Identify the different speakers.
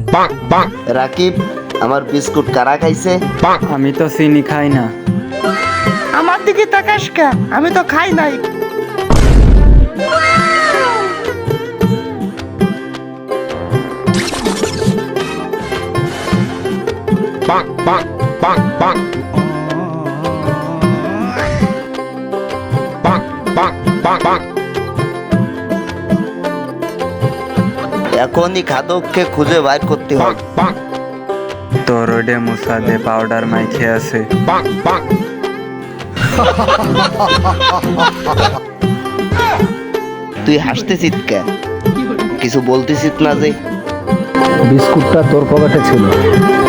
Speaker 1: রাকিব, আমার বিস্কুট কারা খাইছে?
Speaker 2: আমি তো চিনি খাই না।
Speaker 3: আমার দিকে তাকাস কে? আমি তো খাই নাই।
Speaker 1: এখনই খাদককে খুঁজে বাইর করতে হবে।
Speaker 2: তোর ওডে মুসা দে পাউডার মাইখে আছে।
Speaker 1: তুই হাসতেছিস কে? কিছু বলতেছিস না যে?
Speaker 4: বিস্কুটটা তোর পকেটে ছিল।